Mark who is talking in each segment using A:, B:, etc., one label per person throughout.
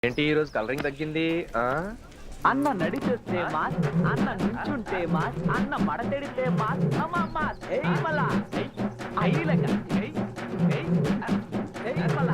A: ఏంటి ఈ రోజు కలరింగ్ తగ్గింది?
B: అన్న నడిచొస్తే మాస్, అన్న నుంచుంటే మాస్, అన్న మడతెడితే మాస్, అమ్మ మాస్. ఏయ్ మళ్ళా ఐలక ఏయ్ ఏయ్ ఏయ్ మళ్ళా.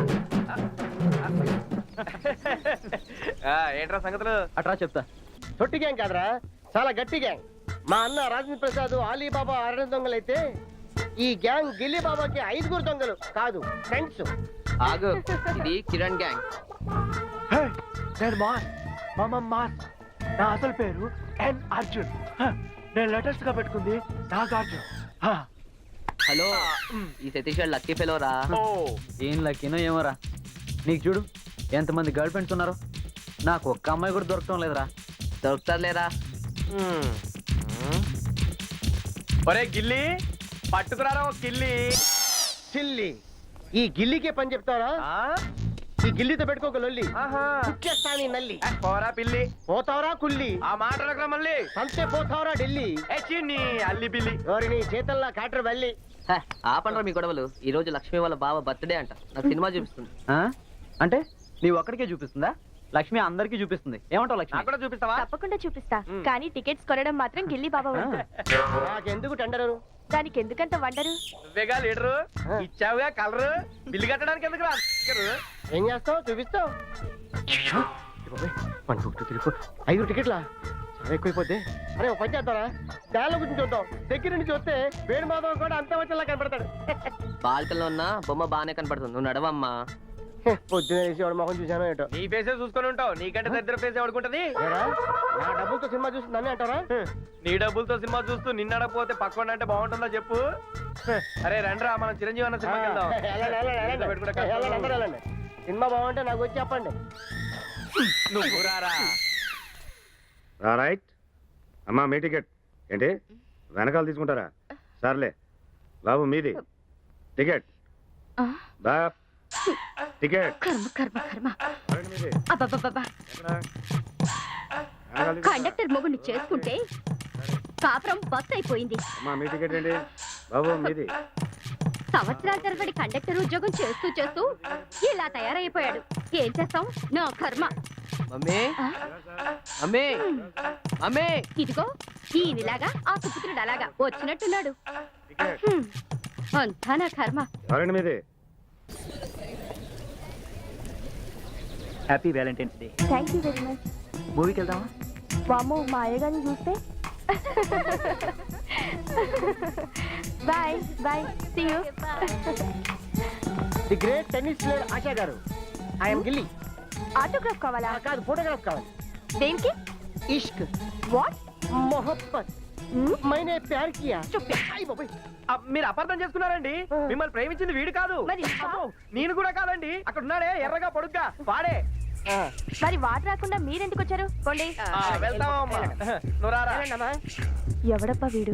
A: ఏంట్రా సంగతులు?
B: అట్రా చెప్తా.
C: తొట్టి గ్యాంగ్ కాదురా, చాలా గట్టి గ్యాంగ్. మా అన్న రాజేంద్ర ప్రసాద్, ఆలీబాబా 6 దొంగలైతే ఈ గ్యాంగ్ గిల్లీ బాబాకి 5 దొంగలు కాదు, ఫ్రెండ్స్.
D: ఆగు, ఇది కిరణ్ గ్యాంగ్.
B: నేను మాస్, మామ మాస్. నా అసలు పేరు ఎన్ అర్జున్. నేను లేటెస్ట్ గా పెట్టుకుంది నాగార్జున్.
D: హలో, ఈ సతీష్ గారు లక్కీ ఫెలో రా.
B: ఏం లక్కీనో ఏమోరా. నీకు చూడు ఎంతమంది గర్ల్ ఫ్రెండ్స్ ఉన్నారు, నాకు ఒక్క అమ్మాయి కూడా దొరకటం లేదురా.
D: దొరుకుతారులేరా.
A: ఒరే గిల్లి, పట్టుకురారా ఒక గిల్లి.
C: సిల్లి, ఈ గిల్లీకే పని చెప్తారా? ఈ గిల్లీతో పెట్టుకోక లొల్లి. కుక్కేస్తా నీ నల్లి.
A: పోరా పిల్లి.
C: పోతావరా కుల్లి.
A: ఆ మాటలకురా మళ్ళీ.
C: సంతే పోతావరా ఢిల్లీ.
A: నీ అల్లి బిల్లి.
C: ఎవరి నీ చేతల్లా కాటర్ వెళ్ళి.
D: ఆపండ్రా మీ గొడవలు. ఈ రోజు లక్ష్మి వాళ్ళ బావ బర్త్డే అంట. నాకు సినిమా చూపిస్తుంది.
B: అంటే నీవు ఒక్కడికే చూపిస్తుందా? లక్ష్మి అందరికీ చూపిస్తుంది. ఏమంటావు లక్ష్మి?
A: నాకు కూడా చూపిస్తావా?
E: తప్పకుండా చూపిస్తా, కానీ టికెట్స్ కొనడం మాత్రం గిల్లీ బాబా వంతు.
C: నాకెందుకు టెండరు?
E: దానికి ఎందుకంత వండరు?
A: నువ్వేగా లీడరు, ఇచ్చావుగా కలరు. బిల్లు కట్టడానికి ఎందుకు రా?
C: ఏం చేస్తావు? చూపిస్తావు. 1 2 3 4 5 టికెట్లా? చాలా ఎక్కువైపోద్ది. అరే ఒక పని చేద్దారా, దానిలో గురించి చూద్దాం. దగ్గర నుంచి చూస్తే వేణు మాధవ్ కూడా అంత వచ్చేలా కనపడతాడు.
D: బాల్కల్లో ఉన్న బొమ్మ బాగానే కనపడుతుంది. నువ్వు నడవమ్మా.
C: పొద్దున వేసి వాడు మొహం చూశాను ఏంటో.
A: నీ ఫేసే చూసుకొని ఉంటావు. నీకంటే దరిద్ర ఫేస్ ఎవడుకుంటది?
C: నా డబ్బులతో సినిమా చూసి నన్ను అంటారా?
A: నీ డబ్బులతో సినిమా చూస్తూ నిన్నడపోతే పక్కన అంటే బాగుంటుందా చెప్పు? అరే రండ్రా, మనం చిరంజీవి అన్న సినిమాకి వెళ్దాం.
C: సినిమా బాగుంటే నాకు వచ్చి చెప్పండి.
A: నువ్వు రారా.
F: రైట్ అమ్మా, మీ టికెట్ ఏంటి వెనకాల తీసుకుంటారా? సర్లే బాబు, మీది టికెట్. బా టికెట్.
E: కండక్టర్ మొగుడిని చేసుకుంటే కాపురం బస్ అయిపోయింది.
F: అమ్మా, మీ టికెట్ ఏంటి బాబు? మీది.
E: సంవత్సరాల తరబడి కండక్టర్ ఉద్యోగం చేస్తూ చేస్తూ ఇలా తయారైపోయాడు. ఏం చేస్తాం, నా కర్మ.
D: Mummy mummy mummy.
E: ఇదిగో ఈయనలాగా ఆ సుపుత్రుడు అలాగా వచ్చినట్టున్నాడు. అంతా నా కర్మ.
F: ఎవరండి మీది?
B: Happy valentine's day.
E: Thank you very much.
B: మూవీకి వెళ్దామా?
E: వామ్మో, మా అయ్యగారిని చూస్తే. Bye bye, see you.
C: The great tennis player Asha గారు, ఐఎమ్ గిల్లీ.
E: ఆటోగ్రాఫ్ కావాలా?
C: కాదు, ఫోటోగ్రాఫ్ కావాలి.
E: దేనికి?
C: ఇష్క్,
E: వాట్?
C: మొహబ్బత్, మైనే ప్యార్ కియా.
A: మీరు అపార్థం చేసుకున్నారండి. మిమ్మల్ని ప్రేమించింది వీడు కాదు.
E: మరి
A: అబ్బో, నేను కూడా కాదండి. అక్కడ ఉన్నాడే ఎర్రగా పొడుగ్గా వాడే.
E: మరి వాడు రాకుండా మీరెందుకు వచ్చారు? పోండి.
A: వెళ్తామమ్మా. నువ్వు రారా.
E: ఎవడబ్బా వీడు?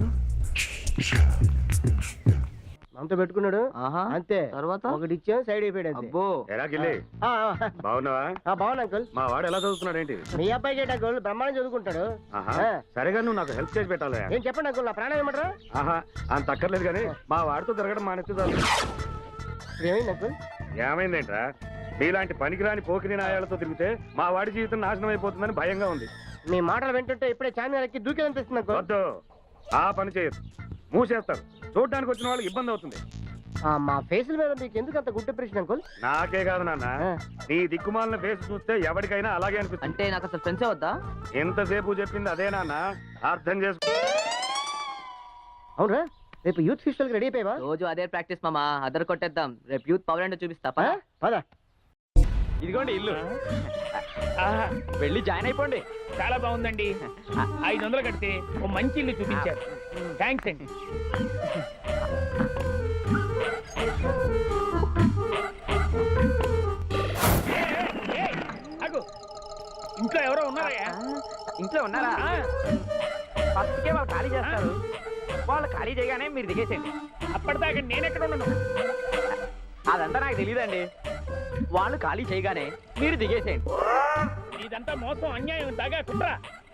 C: మనతో పెట్టుకున్నాడు అంతే.
D: తర్వాత
C: ఒకటి ఇచ్చా, సైడ్ అయిపోయాడు అంతే.
D: అబ్బో.
F: ఎలా గిల్లి, బాగున్నావా?
C: బాగున్నా అంకుల్.
F: మా వాడు ఎలా చదువుతున్నాడు ఏంటి?
C: మీ అబ్బాయికి ఏంటి అంకుల్, బ్రహ్మాండం చదువుకుంటాడు.
F: సరేగా నువ్వు నాకు హెల్ప్ చేసి పెట్టాలి.
C: ఏం చెప్పండి అంకుల్, నా ప్రాణం ఏమంటారా?
F: అంత అక్కర్లేదు కానీ మా వాడితో తిరగడం మానేస్తే చాలు.
C: ఏమైంది అంకుల్?
F: ఏమైందేంట్రా, మీలాంటి పనికిరాని పోకిరి నాయాలతో తిరిగితే మా వాడి జీవితం నాశనం అయిపోతుందని భయంగా ఉంది.
C: మీ మాటలు వింటుంటే ఇప్పుడే చార్మినార్ ఎక్కి దూకేదనిపిస్తుంది అంకుల్.
F: వద్దు, ఆ పని చేయదు. మూసేస్తారు. చూడడానికి వచ్చిన వాళ్ళకి ఇబ్బంది అవుతుంది.
C: మా ఫేసుల మీద మీకు ఎందుకు అంత గుడ్ ఇంప్రెషన్ అంకుల్?
F: నాకే కాదు నాన్న, నీ దిక్కుమాలిన ఫేస్ చూస్తే ఎవరికైనా అలాగే అనిపిస్తుంది.
D: అంటే నాకు అసలు ఫ్రెండ్సే వద్దా?
F: ఎంతసేపు చెప్పింది అదే నాన్న, అర్థం చేసుకో.
C: అవునరా, రేపు యూత్ ఫెస్టివల్ కి రెడీ అయిపోయావా?
D: రోజు అదే ప్రాక్టీస్ మామా. అదర్ కొట్టేద్దాం. రేపు యూత్ పవర్ అంటే చూపిస్తా.
C: పద.
A: ఇదిగోండి ఇల్లు. వెళ్ళి జాయిన్ అయిపోండి.
G: చాలా బాగుందండి. 500 కడితే ఓ మంచి ఇల్లు చూపించారు. థ్యాంక్స్ అండి. ఇంట్లో ఎవరో ఉన్నారా?
A: ఇంట్లో ఉన్నారా? ఫస్ట్కే వాళ్ళు ఖాళీ చేస్తారు. వాళ్ళు ఖాళీ చేయగానే మీరు దిగేసేయండి.
G: అప్పటిదాకా నేను ఎక్కడ ఉన్నాను?
A: అదంతా నాకు తెలియదండి. వాళ్ళు ఖాళీ చేయగానే మీరు దిగేసేయండి.
G: ఇదంతా మోసం, అన్యాయం, దాగా కుట్ర.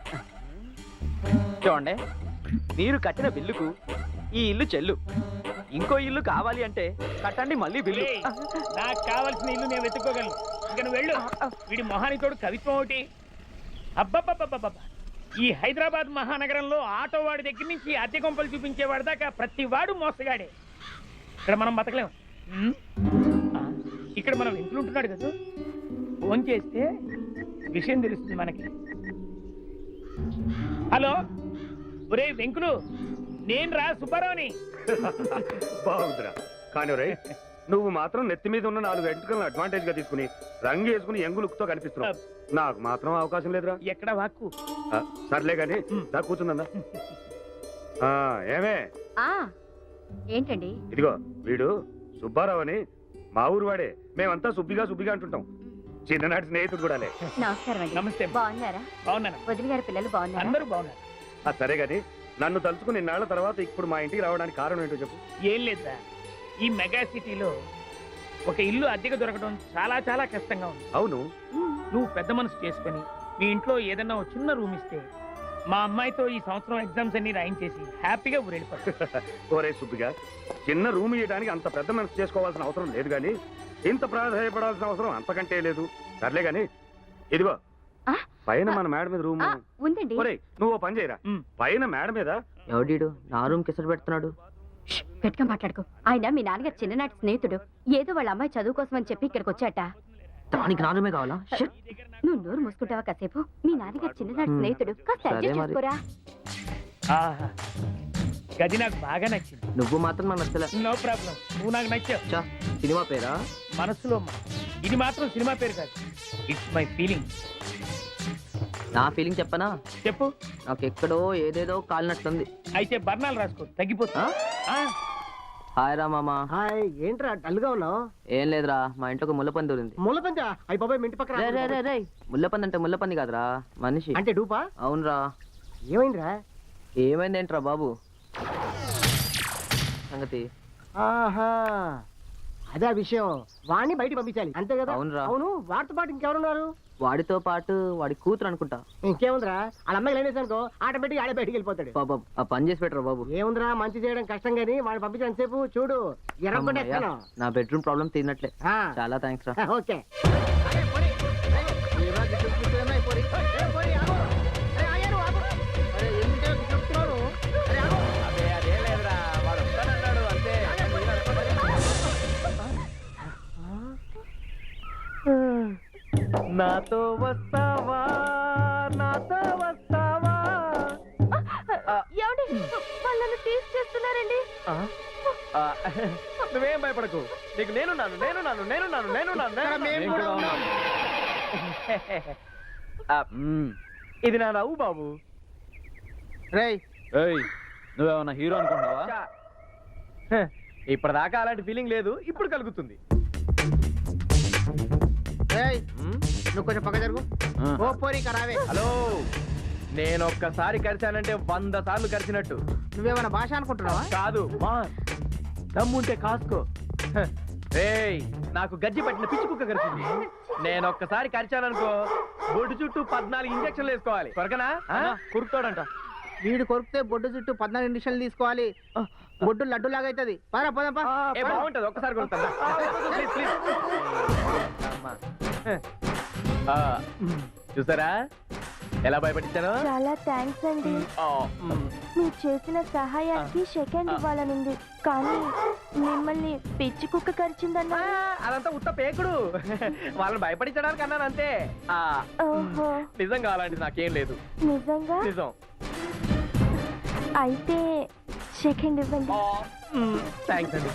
A: చూడండి, మీరు కట్టిన బిల్లుకు ఈ ఇల్లు చెల్లు. ఇంకో ఇల్లు కావాలి అంటే కట్టండి మళ్ళీ బిల్లు.
G: నాకు కావాల్సిన ఇల్లు నేను వెతుక్కోగలను. ఇక నువ్వు వెళ్ళు. వీడి మొహానికి తోడు కవిత్వం ఒకటి. అబ్బబ్బబ్బబ్బబ్బ, ఈ హైదరాబాద్ మహానగరంలో ఆటో వాడి దగ్గర నుంచి అద్దె కొంపలు చూపించేవాడి దాకా ప్రతి వాడు మోసగాడే. ఇక్కడ మనం బతకలేం. ఉమ్? ఆ, ఇక్కడ మనం ఇంట్లుంటున్నాడు కదా, ఫోన్ చేస్తే విషయం తెలుస్తుంది మనకి. హలో, ఒరే వెంకులు, నేను రా సుబ్బారావుని.
F: బాగుందిరా. కానీ రే, నువ్వు మాత్రం నెత్తి మీద ఉన్న 4 వెంట్రుకలను అడ్వాంటేజ్ గా తీసుకుని రంగు వేసుకుని యంగు లుక్ తో కనిపిస్తున్నావు. నాకు మాత్రం అవకాశం లేదురా.
G: ఎక్కడ వాక్కు?
F: సర్లే గాని దా కూర్చుందా. ఏమే
E: ఏంటండి?
F: ఇదిగో వీడు సుబ్బారావు అని మా ఊరు వాడే. మేమంతా సుబ్బిగా అంటుంటాం. చిన్ననాటి స్నేహితుడు కూడా.
E: నమస్కారం అండి.
G: నమస్తే.
E: బాగున్నారా?
G: బాగున్నాను.
E: వదిన గారి పిల్లలు బాగున్నారా?
G: అందరూ బాగున్నారు.
F: సరే గాని నన్ను తలుచుకుని ఇన్నాళ్ల తర్వాత ఇప్పుడు మా ఇంటికి రావడానికి కారణం ఏంటో చెప్పు.
G: ఏం లేదా, ఈ మెగా సిటీలో ఒక ఇల్లు అద్దెకు దొరకడం చాలా చాలా కష్టంగా ఉంది.
F: అవును.
G: నువ్వు పెద్ద మనసు చేసుకుని మీ ఇంట్లో ఏదన్నా ఒక చిన్న రూమ్ ఇస్తే మా అమ్మాయితో ఈ సంవత్సరం ఎగ్జామ్స్ అన్ని రాయించేసి హ్యాపీగా ఊరెళ్ళిపోతాం.
F: ఓరే సుబ్బిగా, చిన్న రూమ్ ఇవ్వడానికి అంత పెద్ద మనసు చేసుకోవాల్సిన అవసరం లేదు గాని ఇంత ప్రాధాన్యపడాల్సిన అవసరం అంతకంటే లేదు. సర్లే గాని ఇదిగో పైన మన మేడ మీద రూమ్
E: ఉందండి.
F: ఒరే నువ్వు ఓ పని చేయరా, పైన మేడ మీద
D: ఎవడీడు నా రూమ్ కిసరు పెడుతున్నాడు?
E: గట్టిగా మాట్లాడుకో. ఆయన మీ నాన్నగారు చిన్ననాటి స్నేహితుడు. ఏదో వాళ్ళ అమ్మాయి చదువు కోసం అని చెప్పి ఇక్కడికి వచ్చాట.
D: దానికి నా రూమే కావాలా? షిట్.
E: నువ్వు నోరు మూసుకుంటావా కాసేపు? మీ నాన్నగారు చిన్ననాటి స్నేహితుడు. కాస్త
D: సరే
E: అడ్జస్ట్
D: మరి.
E: చేసుకోరా.
G: ఆహా, గది నాకు బాగా నచ్చింది.
D: నువ్వు మాత్రం నాకు నచ్చలే.
G: నో ప్రాబ్లం, నువ్వు నాకు నచ్చావు.
D: చా, సినిమా పేరా?
G: మనసులో ఇది మాత్రం సినిమా పేరు కాదు, ఇట్స్ మై ఫీలింగ్.
D: నా ఫీలింగ్ చెప్పనా?
G: చెప్పు.
D: నాకు ఎక్కడో ఏదేదో కాలినట్లుంది.
G: అయితే బర్ణాలు రాసుకో, తగ్గిపోతా.
D: హాయ్ రా మామా.
C: హాయ్, ఏంట్రా డల్ గా ఉన్నావు?
D: ఏం లేదురా, మా ఇంట్లో ఒక ముల్లపంది దూరింది.
C: ముళ్ళపంచా? అయ్యి బాబాయ్, మీ ఇంటి పక్కన
D: రే ముల్లపంది అంటే ముల్లపంది కాదురా, మనిషి.
C: అంటే డూపా?
D: అవునరా.
C: ఏమైందిరా?
D: ఏమైందేంట్రా బాబు సంగతి?
C: ఆహా, అదే ఆ విషయం. వాడిని బయట పంపించాలి అంతే కదా?
D: అవునురా.
C: అవును, వాడితో పాటు ఇంకెవరున్నారు?
D: వాడితో పాటు వాడి కూతురు అనుకుంటా.
C: ఇంకేముందిరా, వాళ్ళ అమ్మాయి లైన్ వేసానుకో ఆటోమేటిక్ ఆడే బయటికి వెళ్ళిపోతాడు.
D: బాబా ఆ పని చేసి పెట్టరా బాబు.
C: ఏముందిరా, మంచి చేయడం కష్టం గానీ వాడిని పంపించడం సేపు చూడు ఎర్రగొట్టేస్తాను.
D: నా బెడ్రూమ్ ప్రాబ్లం తీరినట్లే. చాలా థ్యాంక్స్ రా.
C: ఓకే.
A: అదే అదేం లేదురా, వాడు వస్తానన్నాడు అంతే. నాతో వస్తావా, నాతో వస్తావా?
E: వాళ్ళని తీసుకొస్తున్నారండి.
A: నువ్వేం భయపడకు, నీకు నేనున్నాను. ఇది నా నవ్వు బాబు.
B: నువ్వేమన్నా హీరో అనుకుంటున్నావా?
A: ఇప్పటిదాకా అలాంటి ఫీలింగ్ లేదు, ఇప్పుడు కలుగుతుంది.
C: నువ్వు కొంచెం పక్క జరుగు. ఓ పోరి కరావే.
A: హలో, నేను ఒక్కసారి కరిచానంటే 100 సార్లు కరిచినట్టు.
C: నువ్వేమైనా భాష అనుకుంటున్నావా?
A: కాదు, మా దమ్ముంటే కాసుకో. ఏయ్, నాకు గజ్జి పట్టిన పిచ్చి కుక్క కరిచింది. నేను ఒక్కసారి కరిచాననుకో, బొడ్డు చుట్టూ 14 ఇంజక్షన్లు వేసుకోవాలి. కొరకనా? కురుకుతాడంట.
C: వీడు కొరికితే బొడ్డు చుట్టూ 14 ఇండిషన్లు తీసుకోవాలి. బొడ్డు లడ్డు లాగా అవుతుంది. పరా పోదాంపా.
A: ఏ బాగుంటది, ఒక్కసారి కొరుకుతాను. Please please. చూసారా ఎలా భయపడించాను?
H: చాలా థ్యాంక్స్ అండి. మీరు చేసిన సహాయానికి సెకండ్ ఇవ్వాలనుంది, కానీ మిమ్మల్ని పిచ్చి కుక్క కరిచిందన్నా.
A: అదంతా ఉత్త పేకుడు. వాళ్ళని భయపడించడానికి అన్నాను అంతే.
H: ఓహో,
A: నిజం కావాలంటే నాకేం లేదు.
H: నిజంగా?
A: నిజం.
H: అయితే సెకండ్ ఇవ్వండి.
A: థ్యాంక్స్ అండి.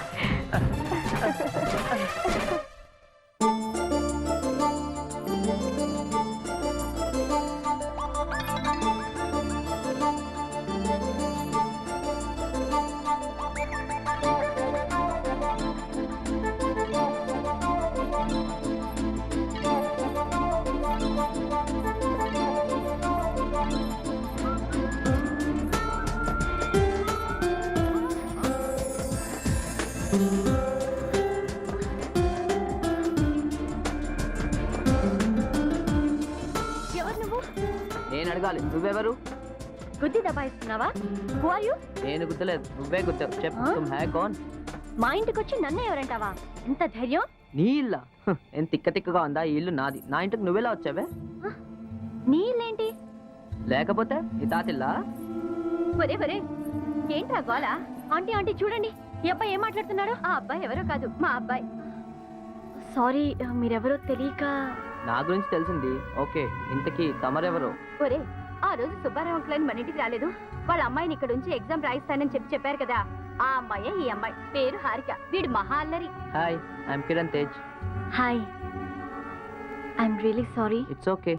E: ఎవరు నువ్వు?
D: నేను అడగాలి, నువ్వెవరు?
E: గుద్ది దబాయిస్తున్నావా? Who are you?
D: నేను గుద్దలేదు, నువ్వే గుద్దావు. చెప్పు, తుమ్ హై కౌన్?
E: మా ఇంటికి వచ్చి నన్ను ఎవరంటావా? ఎంత ధైర్యం?
D: నీ ఇల్లా ఏం తిక్క తిక్కగా ఉందా? ఈ ఇల్లు నాది. నా ఇంటికి నువ్వెలా వచ్చావే?
E: నీళ్ళేంటి?
D: లేకపోతే ఈ తాతిల్లా?
E: ఒరే ఒరే, ఏంట్రా గోల? ఆంటీ ఆంటీ చూడండి, ఈ అబ్బాయి ఏం మాట్లాడుతున్నాడు? ఆ అబ్బాయి ఎవరో కాదు, మా అబ్బాయి. సారీ, మీరెవరో తెలియక.
D: నా గురించి తెలిసింది. ఓకే, ఇంతకీ తమరెవరు?
E: ఒరే, ఆ రోజు సుబ్బారావు అంకుల్ మన ఇంటికి రాలేదు? వాళ్ళ అమ్మాయిని ఇక్కడ ఉంచి ఎగ్జామ్ రాయిస్తానని చెప్పారు కదా, ఆ అమ్మాయే ఈ అమ్మాయి. పేరు హారిక. వీడు మహా అల్లరి.
D: Hi, I'm Kiran Tej.
E: Hi, I'm really sorry.
D: It's okay.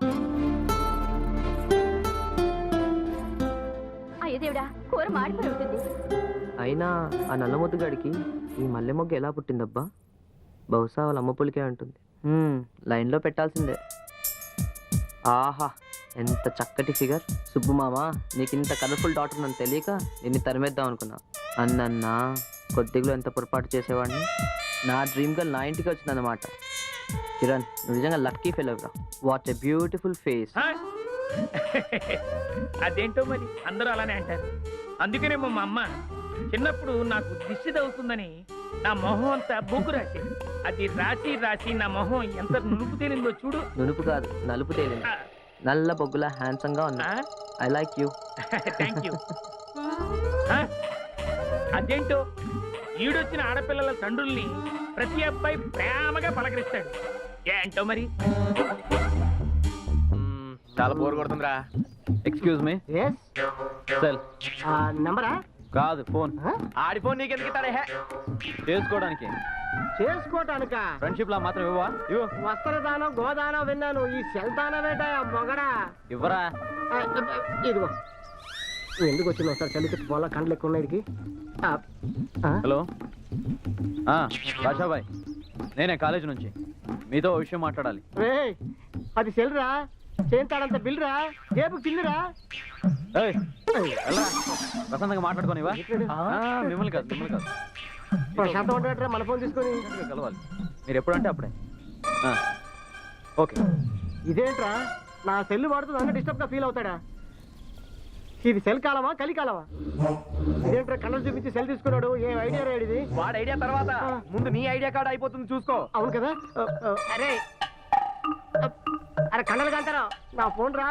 E: అయ్యో దేవుడా, కూర మాడిపోయి ఉంటుంది.
D: అయినా ఆ నల్ల ముద్దుగాడికి ఈ మల్లె మొగ్గ ఎలా పుట్టిందబ్బా? బహుశా వాళ్ళ అమ్మ పులికే ఉంటుంది. లైన్లో పెట్టాల్సిందే. ఆహా, ఎంత చక్కటి ఫిగర్. సుబ్బు మామ, నీకు ఇంత కలర్ఫుల్ డాటర్ నన్ను తెలియక నిన్ను తరిమేద్దాం అనుకున్నా. అన్నన్నా కొద్దిగా ఎంత పొరపాటు చేసేవాడిని. నా డ్రీమ్ గర్ల్ నా ఇంటికి వచ్చిందన్నమాట. కిరణ్, నువ్వు నిజంగా లక్కీ ఫెలోరా. What a beautiful face.
G: అదేంటో మరి అందరూ అలానే అంటారు. అందుకనేమో మా అమ్మ చిన్నప్పుడు నాకు దిష్టి తగ్గుతుందని నా మొహం అంతా బొగ్గు రాసేది. అది రాసి రాసి నా మొహం ఎంత నునుపు తేలిందో చూడు.
D: నునుపు కాదు, నలుపు తేలింది. నల్ల బొగ్గులా హ్యాండ్సమ్ గా ఉన్నా. I like you.
G: Thank you. అదేంటో ఈడొచ్చిన ఆడపిల్లల తండ్రుల్ని ప్రతి అబ్బాయి ప్రేమగా పలకరిస్తాడు. ఏంటో మరి.
A: చాలా బోర్ కొడుతుందిరా. Excuse me. సెల్
C: నంబరా?
A: కాదు, ఫోన్. ఆడి ఫోన్ నీకెందుకు ఇస్తాడే? చేసుకోవడానికి.
C: చేసుకోవటానికా?
A: ఫ్రెండ్షిప్ లా మాత్రం ఇవ్వవా? ఇవ్వు.
C: వస్త్రదానం గోదానం విన్నాను, ఈ సెల్దానం ఏంటా మొగడా?
A: ఇవ్వరా.
C: ఇదిగో. నువ్వు ఎందుకు వచ్చినావు? ఒకసారి చలికి పోలా, కండ్లు ఎక్కువ ఉన్నాయికి.
A: హలో, రాజాబాయ్, నేనే కాలేజ్ నుంచి. మీతో ఓ విషయం మాట్లాడాలి.
C: అది సెల్రా, చేంతాడంత బిల్లురా, జేబు కిల్లురా.
A: ప్రశాంతంగా మాట్లాడుకోనివా? మిమ్మల్ని కాదు, మిమ్మల్ని కాదు.
C: ప్రశాంతం ఉంటాడరా, మన ఫోన్ తీసుకొని
A: కలవాలి. మీరు ఎప్పుడంటే అప్పుడే. ఓకే.
C: ఇదేంట్రా, నా సెల్ వాడుతూ నన్ను డిస్టర్బ్ గా ఫీల్ అవుతాడా? ఇది సెల్ కాలమా కలికాలమా? ఇదేంట్రా కళ్ళలు చూపించి సెల్ తీసుకున్నాడు? ఏం ఐడియా రేడిది?
A: వాడి ఐడియా తర్వాత ముందు నీ ఐడియా కార్డ్ అయిపోతుంది, చూసుకో.
C: అవును కదా. అరే అరే కళ్ళలు కంటారా, నా ఫోన్ రా.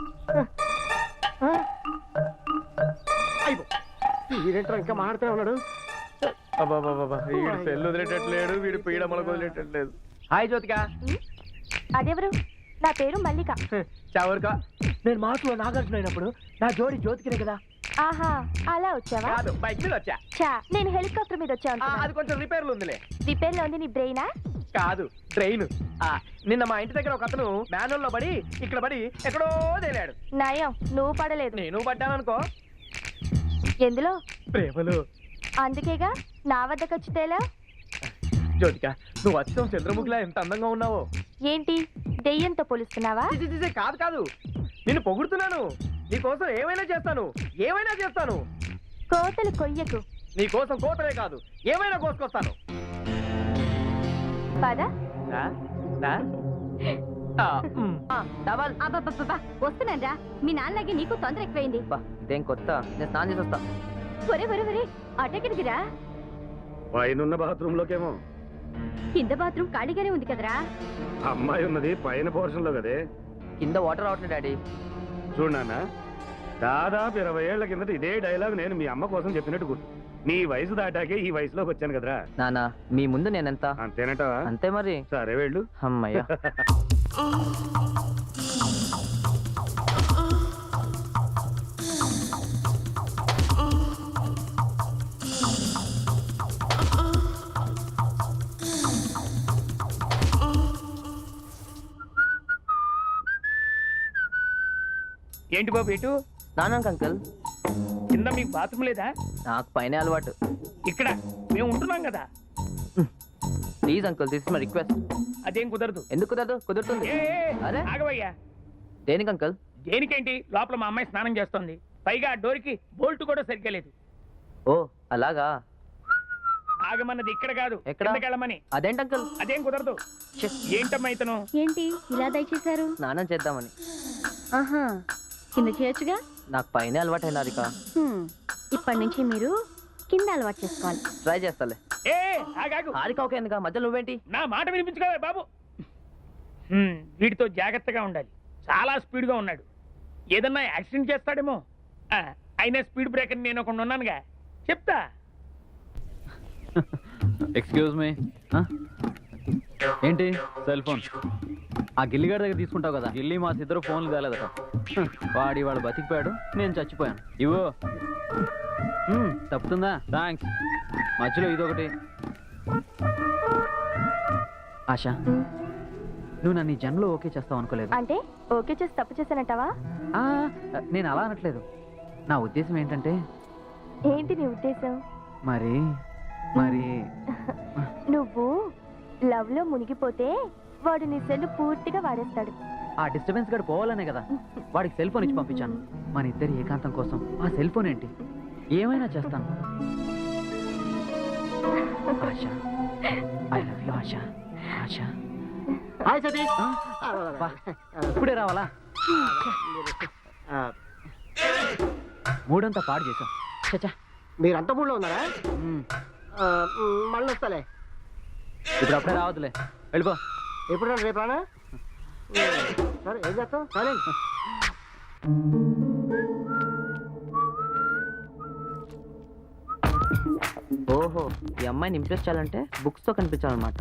C: అయిపో. వీడేంట్రా ఇంకా మాట్లాడుతూనే ఉన్నాడు.
A: వీడు సెల్ వదిలేటట్లేడు, వీడు పీడమలకు వదిలేటట్లేదు. హాయ్ జ్యోతిక.
H: అదెవరు? నా పేరు మల్లిక.
A: చావరుకా.
C: నేను మాటలో నాగార్జున అయినప్పుడు నా జోడి జ్యోతికినే కదా.
H: ఆహా, అలా వచ్చావా?
A: కాదు, బైక్ మీద వచ్చా.
H: చా, నేను హెలికాప్టర్ మీద వచ్చా.
A: అది కొంచెం రిపేర్లు ఉందిలే.
H: రిపేర్ లో ఉంది నీ బ్రెయినా?
A: కాదు, ట్రైన్. నిన్న మా ఇంటి దగ్గర ఒక అతను మ్యానువల్ లో పడి ఇక్కడ పడి ఎక్కడో తేలాడు.
H: నయం, నువ్వు పడలేదు.
A: నేను పడ్డాననుకో.
H: ఎందులో?
A: ప్రేమలో.
H: అందుకేగా నా వద్దకు వచ్చి తేలా.
A: జ్యోతిక, నువ్వు వచ్చాం చంద్రముఖిలా ఎంత అందంగా ఉన్నావో.
H: ఏంటి, దెయ్యంతో పోలుస్తున్నావా?
A: కాదు కాదు, నిన్ను పొగుడుతున్నాను. నీకోసం ఏమైనా చేస్తాను, ఏమైనా చేస్తాను.
H: కోతలు కొయ్యకు.
A: నీకోసం కోతలే కాదు, ఏమైనా కోసుకొస్తాను.
H: పద.
D: డబల్.
E: వస్తున్నాను రా. మీ నాన్నలాగే నీకు తొందర ఎక్కువైంది.
D: ఇదేం కొత్త? నేను స్నానం చేసి వస్తా.
E: ఒరే ఒరే ఒరే, అటెక్కడికి రా.
F: పైన బాత్రూమ్ లోకేమో.
E: కింద బాత్రూమ్ ఖాళీగానే ఉంది కదరా.
F: అమ్మాయి ఉన్నది పైన పోర్షన్ లో కదే.
D: కింద వాటర్ రావట్లేదు డాడీ.
F: చూడు నాన్న, దాదాపు 20 ఏళ్ల కిందట ఇదే డైలాగ్ నేను మీ అమ్మ కోసం చెప్పినట్టు గుర్తు. నీ వయసు దాటాకే ఈ వయసులోకి వచ్చాను కదరా.
D: నానా, మీ ముందు నేనెంత?
F: అంతేనటవా?
D: అంతే మరి.
F: సరే వెళ్ళు.
D: అమ్మయ్య.
G: ఏంటి బాబు ఎటు?
D: నానాక అంకల్.
G: కింద మీకు బాత్రూమ్ లేదా?
D: నాకు పైన అలవాటు.
G: ఇక్కడ మేము ఉంటున్నాం కదా.
D: Please uncle, this is my request.
G: అదేం కుదరదు.
D: ఎందుకు కుదరదు? కుదురుతుంది. అరే
G: ఆగవయ్యా.
D: దేనికి అంకుల్?
G: దేనికేంటి, లోపల మా అమ్మాయి స్నానం చేస్తోంది. పైగా ఆ డోర్కి బోల్ట్ కూడా సరిగ్గా లేదు.
D: ఓ అలాగా.
G: ఆగమన్నది ఇక్కడ కాదు,
D: ఎక్కడ?
G: వెళ్ళమని.
D: అదేంటి అంకుల్?
G: అదేం కుదరదు. ఏంటమ్మా ఇతను?
E: ఏంటి ఇలా దయచేశారు?
D: స్నానం చేద్దామని.
E: ఆహా, కింద చేయొచ్చుగా.
D: నాకు పైన అలవాటు అయినారిక.
E: ఇప్పటి నుంచి మీరు కింద అలవాటు చేసుకోవాలి.
D: ట్రై చేస్తాలే.
G: ఏ ఆగాగు.
D: హారిక ఓకే ఎందుక మధ్యలో నువ్వేంటి?
G: నా మాట వినిపించుకోవే బాబు. వీడితో జాగ్రత్తగా ఉండాలి. చాలా స్పీడ్గా ఉన్నాడు. ఏదన్నా యాక్సిడెంట్ చేస్తాడేమో. అయినా స్పీడ్ బ్రేకర్ నేను ఒకడు ఉన్నానుగా, చెప్తా.
B: Excuse me. ఏంటి సెల్ ఫోన్? ఆ గిల్లిగాడి దగ్గర తీసుకుంటావు కదా. గిల్లి మా ఇద్దరు ఫోన్లు తేలేదట. వాడు బతికిపోయాడు, నేను చచ్చిపోయాను. ఇవ్వు. తప్పుతుందా? థ్యాంక్స్. మధ్యలో ఇదొకటి. ఆశ, నువ్వు నన్ను ఈ జన్మలో ఓకే చేస్తావు అనుకోలేదు.
H: అంటే ఓకే చేసి తప్పు చేశానంటావా?
B: నేను అలా అనట్లేదు. నా ఉద్దేశం ఏంటంటే,
H: ఏంటి నీ ఉద్దేశం?
B: మరి
H: నువ్వు లవ్ లో మునిగిపోతే వాడు నీ సెల్ పూర్తిగా వాడేస్తాడు.
B: ఆ డిస్టర్బెన్స్ గడు పోవాలనే కదా వాడికి సెల్ ఫోన్ ఇచ్చి పంపించాను. మన ఇద్దరి ఏకాంతం కోసం ఆ సెల్ ఫోన్ ఏంటి, ఏమైనా చేస్తాను. Asha, I love you Asha. Asha,
C: hi Satish.
B: వా, ఇప్పుడే రావాలా? మూడంతా పాడు చేసాం. చచ్చా,
C: మీరంతా మూడులో ఉన్నారా? మళ్ళీ వస్తాలే.
B: ఇప్పుడు అప్పుడే రావద్దులే, వెళ్ళిపో.
C: ఎప్పుడు రేపు రానా? సరే, ఏం చేస్తాం? సరే.
D: ఓహో, ఈ అమ్మాయిని ఇంప్రెస్ చేయాలంటే బుక్స్ తో కనిపించాలన్నమాట.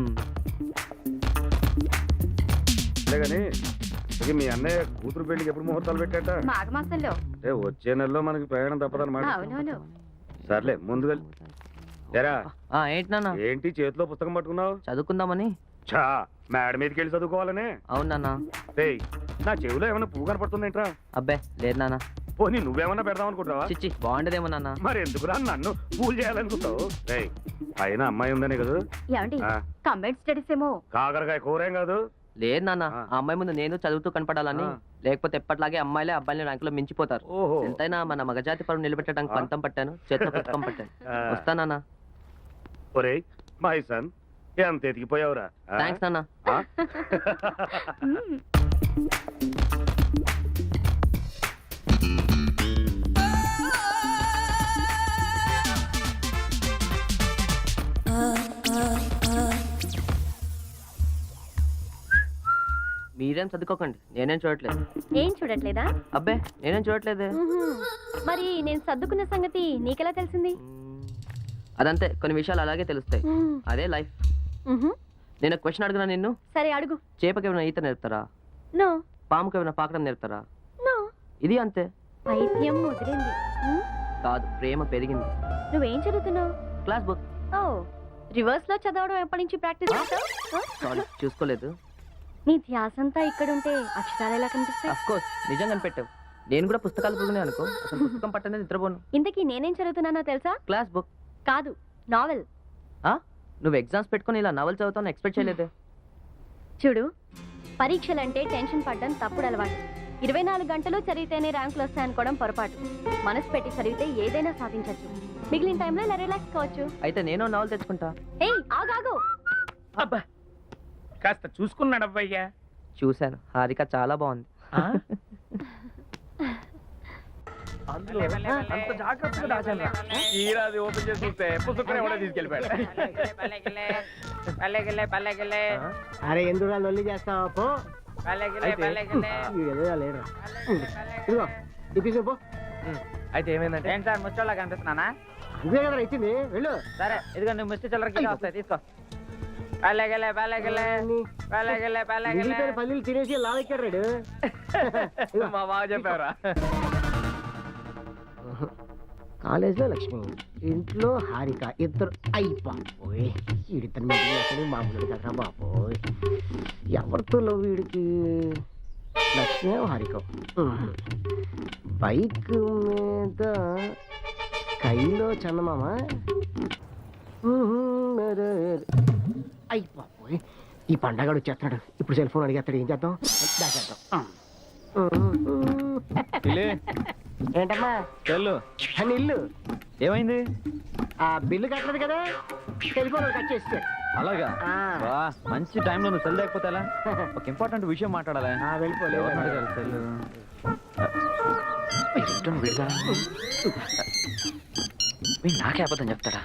F: అంతేగాని ఇక మీ అన్నయ్య కూతురు పెళ్లికి ఎప్పుడు ముహూర్తాలు పెట్టాట?
E: మాఘమాసంలో.
F: వచ్చే నెలలో మనకి ప్రయాణం తప్పదన్నమాట.
E: అవునవును.
F: సర్లే, ముందుగా ఎరా
D: ఏంటి నాన్న?
F: ఏంటి చేతిలో పుస్తకం పట్టుకున్నావు?
D: చదువుకుందామని.
F: చా మేడ మీదకి వెళ్ళి చదువుకోవాలనే?
D: అవును నాన్న.
F: ఏయ్, నా చెవిలో ఏమైనా పువ్వు కనపడుతుందేంట్రా?
D: అబ్బే లేదు నాన్న.
F: పోనీ నువ్వేమన్నా పెడదాం అనుకుంటావా?
D: చిచ్చి, బాగుండదేమో నాన్న.
F: మరి ఎందుకురా నన్ను పూలు చేయాలనుకుంటావు? ఏయ్, పైన అమ్మాయి ఉందనే కదా?
E: ఏమండి,
F: ఆ,
E: కంబైన్డ్ స్టడీస్ ఏమో.
F: కాకరకాయ కూరేం కాదు.
D: లేదు నాన్న,
F: ఆ.
D: ఆ అమ్మాయి ముందు నేను చదువుతూ కనపడాలని.
F: ఆ.
D: లేకపోతే ఎప్పటిలాగే అమ్మాయిలే అబ్బాయిలు ర్యాంకులో మించిపోతారు.
F: ఓహో.
D: ఎంతైనా మన మగజాతి పరువు నిలబెట్టడానికి పంతం పట్టాను, చేతిలో పుస్తకం పట్టాను.
F: ఆ.
D: వస్తానా?
F: ఒరేయ్ మై సన్, ఎంత ఎదిగిపోయావురా? ఆ?
D: థ్యాంక్స్ నాన్న.
F: ఆ?
D: మీరేం చదువుకోకండి, నేనేం చూడట్లేదు.
E: ఏం చూడట్లేదా?
D: అబ్బే నేనేం చూడట్లేదు.
E: మరి నేను సర్దుకున్న సంగతి నీకెలా తెలిసింది?
D: అదంతే, కొన్ని విషయాలు అలాగే తెలుస్తాయి. అదే లైఫ్. నేను క్వశ్చన్ అడుగునా నిన్ను?
E: సరే అడుగు.
D: చేపకి ఏమైనా ఈత నేర్పుతారా?
E: నో.
D: పాముకి ఏమైనా పాకడం నేర్పుతారా?
E: నో.
D: ఇది అంతే.
E: పైత్యం ముదిరింది.
D: కాదు, ప్రేమ పెరిగింది.
E: నువ్వేం చదువుతున్నావు?
D: Class book.
E: ఓ, రివర్స్ లో చదవడం ఎప్పటి నుంచి ప్రాక్టీస్ చేస్తావు?
D: సారీ, చూసుకోలేదు.
E: నీ ధ్యాసంతా ఇక్కడుంటే అక్షరాలు ఎలా కనిపిస్తాయి?
D: అఫ్ కోర్స్, నిజంగా పెట్టావు. నేను కూడా పుస్తకాలు పురుగునే అనుకో. అసలు పుస్తకం పట్టనేది నిద్రపోను.
E: ఇంతకీ నేనేం చదువుతున్నానో తెలుసా?
D: Class book.
E: కాదు, నావెల్.
D: నువ్వు ఎగ్జామ్స్ పెట్టుకుని ఇలా నవల్ చదువుతాను ఎక్స్పెక్ట్ చేయలేదే.
E: చూడు, పరీక్షలంటే టెన్షన్ పడ్డం తప్పుడు అలవాటు. 24 గంటలు చదివితేనే ర్యాంకులు వస్తాయనుకోవడం పొరపాటు. మనసు పెట్టి చదివితే ఏదైనా సాధించవచ్చు. మిగిలిన టైంలో ఇలా రిలాక్స్ కావచ్చు.
D: అయితే నేను నవల్ తెచ్చుకుంటా.
E: ఏయ్ ఆగాగు.
G: అబ్బా, కాస్త చూసుకున్నాడు అవ్వయ్యా.
D: చూశాను, హారిక చాలా బాగుంది.
A: అందులో అంత జాగ్రత్తగా దాచాను. ఈరాది ఓపెన్ చేసి చూస్తే పుస్తకం ఎవడో తీసుకెళ్ళిపోయాడు.
C: అరే ఎందుకు లొల్లి చేస్తావా? పో. వీడు లేడు. ఇదిగో ఇది తీసుకో, పో.
A: అయితే ఏమైందంటే
B: ఏంటి సార్, ముచ్చోళ్ళ కనిపిస్తున్నానా?
C: అంతే కదా ఇచ్చింది, వెళ్ళు.
B: సరే, ఇదిగో నువ్వు ముష్టి చిల్లరకి వస్తాయి, తీసుకో.
C: మిగిలిపోయిన పల్లీలు తినేసి లావెక్కాడు రాడు.
A: మా బాగా చెప్పారా?
C: కాలేజీలో లక్ష్మి, ఇంట్లో హారిక, ఇద్దరు అయిపోయి వీడిద్దరు మీద మామూలు కదా బాబోయ్. ఎవరితో లవ్ వీడికి? లక్ష్మి హారిక. బైక్ మీద కైలో చందమామ. అయిపోయి ఈ పండగడు వచ్చేస్తున్నాడు. ఇప్పుడు సెల్ ఫోన్ అడిగేస్తాడు, ఏం చేద్దాం? దాచేద్దాం. ఏంటమ్మా?
B: వెళ్ళు.
C: అని ఇల్లు
B: ఏమైంది?
C: ఆ బిల్లు కట్టలేదు కదా, టెలిఫోన్ కట్ చేస్తే.
B: అలాగా?
C: ఆ.
B: వా, మంచి టైంలో నువ్వు సెల్ లేకపోతే ఎలా? ఒక ఇంపార్టెంట్ విషయం మాట్లాడాలి.
C: వెళ్ళిపోలేదు.
B: ఎవరిని అడగాలి సెల్?
D: నాకే అబద్ధం చెప్తాడా?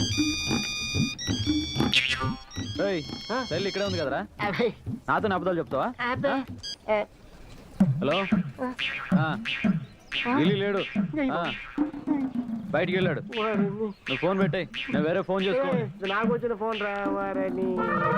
B: సెల్ ఇక్కడే ఉంది కదరా, నాతో అబద్ధాలు చెప్తావా? హలో, ఢిల్లీ లేడు, బయటికి వెళ్ళాడు. నువ్వు ఫోన్ పెట్టాయి, నేను వేరే ఫోన్ చేసుకో.
C: నాకు వచ్చిన ఫోన్ రావారని.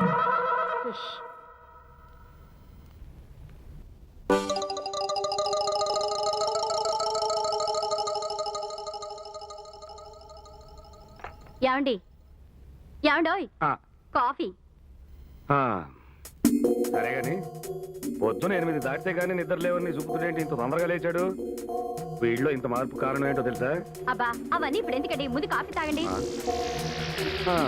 E: ఏమండి ఏమండోయ్,
F: ఆ,
E: కాఫీ.
F: ఆ. సరే గాని పొద్దున 8 దాటితే గానీ నిద్ర లేవని చూపుతుండేంటి ఇంత తొందరగా లేచాడు? వీడిలో ఇంత మార్పు కారణం ఏంటో తెలుసా?
E: అబ్బా అవన్నీ ఇప్పుడు ఎందుకండి, ముందు కాఫీ తాగండి.
F: ఆ.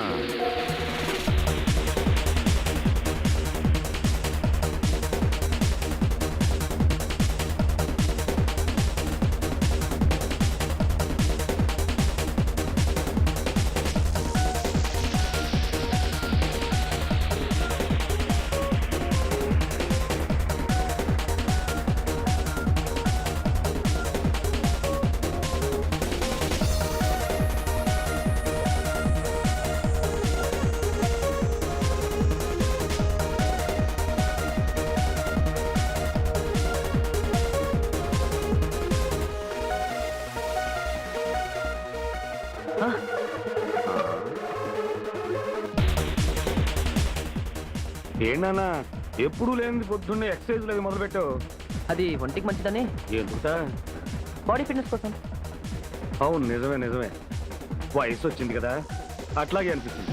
F: ఏంటన్నా ఎప్పుడు లేనిది పొద్దున్నే ఎక్సర్సైజ్ అవి మొదలు పెట్టావు?
D: అది ఒంటికి మంచిదని,
F: ఎందుకుతా?
D: బాడీ ఫిట్నెస్ కోసం.
F: అవును, నిజమే నిజమే. వయసు వచ్చింది కదా, అట్లాగే అనిపిస్తుంది.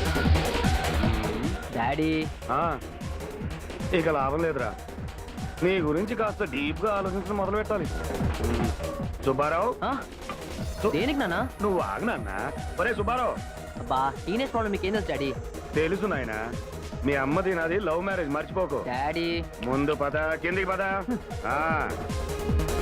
D: డాడీ,
F: ఆ, ఇక లాభం లేదురా. నీ గురించి కాస్త డీప్ గా ఆలోచించడం మొదలు పెట్టాలి. సుబ్బారావు,
D: దేనికి నాన్న?
F: నువ్వు ఆగనన్నా. ఒరే సుబ్బారావు.
D: అబ్బా, టీనేజ్ ప్రాబ్లం మీకు ఏం తెలుసు డాడీ?
F: తెలుసు నాయనా, మీ అమ్మది నాది లవ్ మ్యారేజ్, మర్చిపోకు.
D: డాడీ
F: ముందు పద, కిందికి పద. ఆ